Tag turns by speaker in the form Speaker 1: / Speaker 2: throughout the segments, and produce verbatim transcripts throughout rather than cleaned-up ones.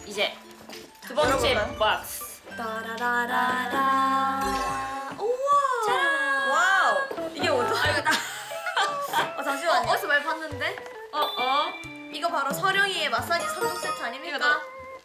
Speaker 1: 이제 두 번째
Speaker 2: 열어볼까요?
Speaker 1: 박스.
Speaker 2: 따라라라라. 우와.
Speaker 1: 짠.
Speaker 2: 와우. 이게 뭐죠?
Speaker 3: 아 이거 나
Speaker 2: 어, 잠시만요.
Speaker 3: 어디서 많이 봤는데?
Speaker 1: 어 어.
Speaker 3: 이거 바로 서령이의 마사지 삼 종 세트 아닙니까?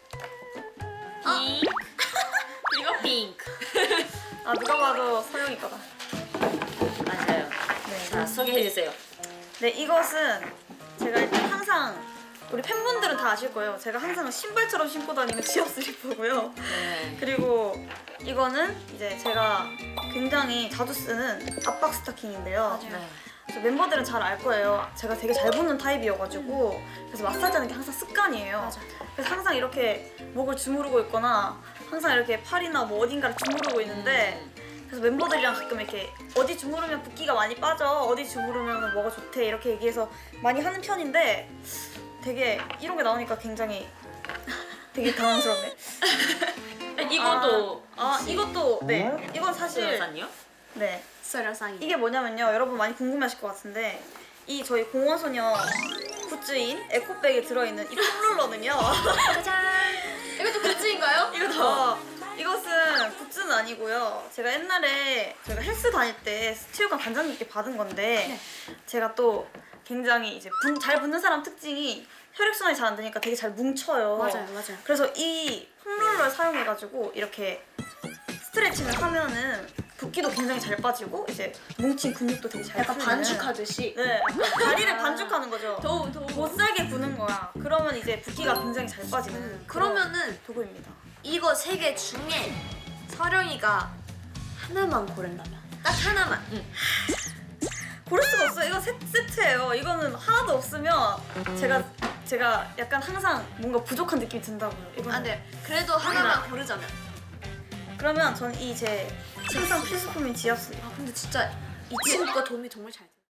Speaker 1: 핑크. 그리고 핑크.
Speaker 2: 아, 누가 봐도 서영이 거다.
Speaker 1: 맞아요.
Speaker 2: 네.
Speaker 1: 자 소개해 주세요.
Speaker 2: 네, 이것은 제가 일단 항상 우리 팬분들은 다 아실 거예요. 제가 항상 신발처럼 신고 다니는 지압 슬리퍼고요.
Speaker 1: 네.
Speaker 2: 그리고 이거는 이제 제가 굉장히 자주 쓰는 압박 스타킹인데요.
Speaker 1: 네.
Speaker 2: 그래서 멤버들은 잘 알 거예요. 제가 되게 잘 붙는 타입이어가지고 그래서 마사지하는 게 항상 습관이에요.
Speaker 3: 맞아.
Speaker 2: 그래서 항상 이렇게 목을 주무르고 있거나 항상 이렇게 팔이나 뭐 어딘가를 주무르고 있는데 그래서 멤버들이랑 가끔 이렇게 어디 주무르면 붓기가 많이 빠져, 어디 주무르면 뭐가 좋대 이렇게 얘기해서 많이 하는 편인데 되게 이런 게 나오니까 굉장히 되게 당황스럽네.
Speaker 1: 이것도
Speaker 2: 아, 아 이것도 네 이건 사실
Speaker 1: 산요?
Speaker 2: 네
Speaker 3: 서령상이.
Speaker 2: 이게 뭐냐면요, 여러분 많이 궁금해하실 것 같은데 이 저희 공원소녀 굿즈인 에코백에 들어있는 이 폼롤러는요.
Speaker 3: 짜잔. 이것도 굿즈인가요?
Speaker 2: 이거 이것은 굿즈는 아니고요. 제가 옛날에 제가 헬스 다닐 때 스튜디오관 관장님께 받은 건데
Speaker 3: 네.
Speaker 2: 제가 또 굉장히 이제 분, 잘 붙는 사람 특징이 혈액순환이 잘 안 되니까 되게 잘 뭉쳐요.
Speaker 3: 맞아요, 맞아요.
Speaker 2: 그래서 이 폼롤러를 사용해가지고 이렇게 스트레칭을 하면은 붓기도 굉장히 잘 빠지고 이제 뭉친 근육도 되게 잘
Speaker 3: 약간
Speaker 2: 풀리는.
Speaker 3: 반죽하듯이.
Speaker 2: 네, 약간 다리를
Speaker 3: 아.
Speaker 2: 반죽하는 거죠.
Speaker 3: 더우 더우.
Speaker 2: 못 살게 부는 거야. 그러면 이제 붓기가 굉장히 잘 빠지는
Speaker 3: 음,
Speaker 2: 그런
Speaker 3: 그러면은
Speaker 2: 도구입니다.
Speaker 3: 이거 세 개 중에 서령이가 하나만 고른다면 딱 하나만.
Speaker 2: 고를 수가 없어요. 이거 세, 세트예요. 이거는 하나도 없으면 제가 제가 약간 항상 뭔가 부족한 느낌이 든다고요. 이거는.
Speaker 3: 아, 네. 그래도 하나만 고르자면.
Speaker 2: 그러면 전 이 제 항상 필수품인 지압 슬립.
Speaker 3: 아 근데 진짜 이 친구가 도움이 정말 잘 돼.